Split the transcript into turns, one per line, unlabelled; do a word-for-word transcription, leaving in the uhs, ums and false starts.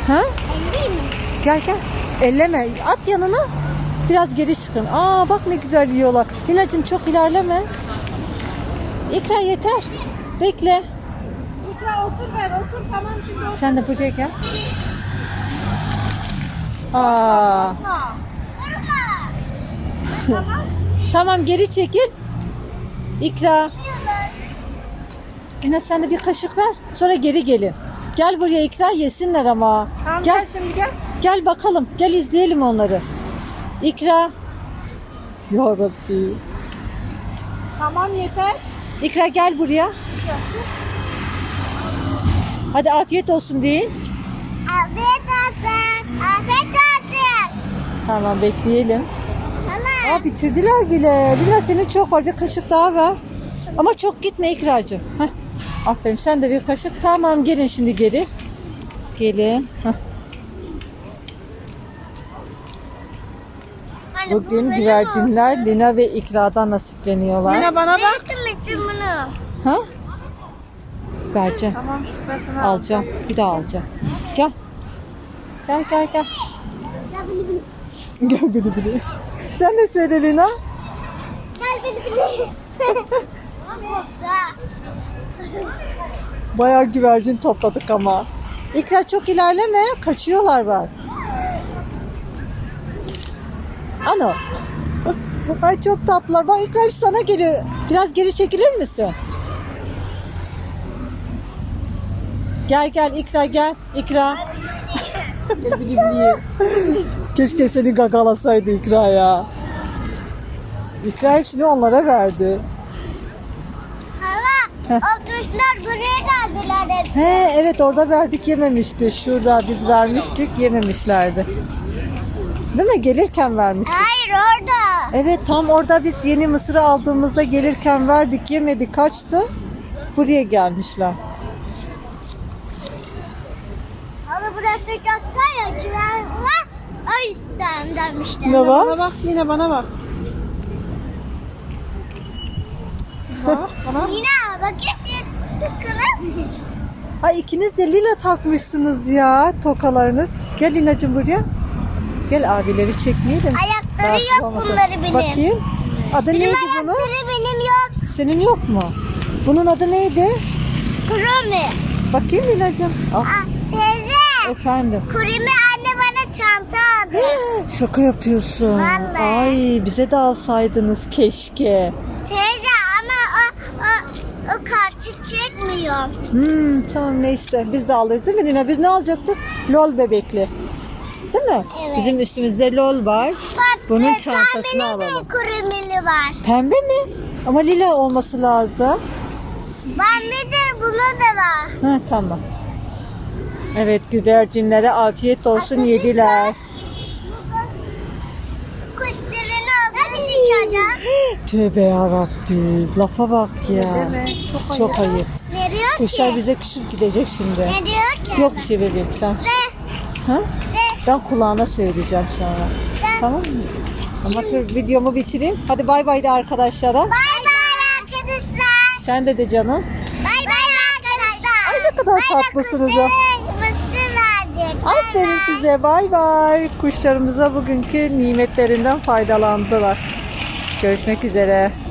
Ha?
Elleyeyim mi?
Gel gel. Elleme. At yanına. Biraz geri çıkın. Aa bak ne güzel yiyorlar. Lina'cığım çok ilerleme. İkra yeter. Bekle.
İkra otur ver otur tamam şimdi otur.
Sen de buraya gel. Aa.
Korkma. Tamam.
Tamam geri çekil. İkra. Lina sen de bir kaşık ver. Sonra geri gelin. Gel buraya İkra yesinler ama.
Tamam
Gel.
gel şimdi gel.
Gel bakalım. Gel izleyelim onları. İkra. Ya Rabbi.
Tamam yeter.
İkra gel buraya. Hadi afiyet olsun deyin.
Afiyet olsun. Afiyet olsun.
Tamam bekleyelim.
Hala.
Aa bitirdiler bile. Lina senin çok var. Bir kaşık daha ver. Ama çok gitme İkracığım. Heh. Aferin sen de bir kaşık. Tamam gelin şimdi geri. Gelin. Heh. Bugün güvercinler Lina ve İkra'dan nasipleniyorlar.
Lina bana bak. Bitirmiştim bunu.
Ha? Vereceğim.
Tamam ben sana
Alacağım. Bir daha alacağım. Gel. Gel gel gel. Gel bili bili. Sen de söyle Lina.
Gel beni beni.
Bayağı güvercin topladık ama. İkra çok ilerleme. Kaçıyorlar bak. Ano. Ay çok tatlılar. Bak İkra sana geliyor. Biraz geri çekilir misin? Gel gel İkra gel. İkra. Gel bili bili. Keşke seni gagalasaydı İkra ya. İkra hepsini onlara verdi.
Hala o kuşlar buraya geldiler hep.
He evet orada verdik yememişti. Şurada biz vermiştik yememişlerdi. Değil mi? Gelirken vermiştik.
Hayır orada.
Evet tam orada biz yeni mısırı aldığımızda gelirken verdik yemedi kaçtı. Buraya gelmişler.
Hala burası çok var ya kiler var. O yüzden demişler.
Ne var?
Bana bak yine bana bak. Bak bana. Yine bakıyorsun. Tıkırım.
Ay ikiniz de lila takmışsınız ya tokalarınız. Gel Lina'cığım buraya. Gel abileri çekmeyelim.
Ayakları
Rahatsız
yok
olmasın.
bunları benim.
Bakayım. Adı
Benim
neydi bunun?
ayakları benim yok.
Senin yok mu? Bunun adı neydi?
Kurumi.
Bakayım Lina'cığım. Ah,
Ah, teyze.
efendim.
Kurimi anne bana çanta aldı.
Şaka yapıyorsun.
Vallahi.
Ay bize de alsaydınız keşke.
Teyze ama o, o, o kartı çekmiyor.
Hmm, tamam neyse biz de alırız değil mi Lina? Biz ne alacaktık? Lol bebekli. Değil mi?
Evet.
Bizim üstümüzde lol var.
Bak,
Bunun
ve
çantasını
pembeli
alalım.
de kurimili var.
Pembe mi? Ama lila olması lazım.
Pembe de buna da var.
Ha tamam. Evet güvercinlere afiyet olsun yediler.
Kuşlarını aldım sıçacağım.
Tövbe yarabbi. Lafa bak ya.
Çok,
Çok ayıp.
Ne diyor
Kuşlar
ki?
bize küçük gidecek şimdi.
Ne diyor ki?
Yok bir şey bebeğim sen.
De,
Ha?
de,
Ben kulağına söyleyeceğim sonra.
de.
Tamam mı? Ama dur videomu bitireyim. Hadi bay bay de arkadaşlara.
Bay bay arkadaşlar.
Sen de de canım.
Bay bay arkadaşlar.
Ay ne kadar tatlısınız ya.
Mısır verdik. Bay
Aferin
bay.
size. Bay bay. Kuşlarımıza bugünkü nimetlerinden faydalandılar. Görüşmek üzere.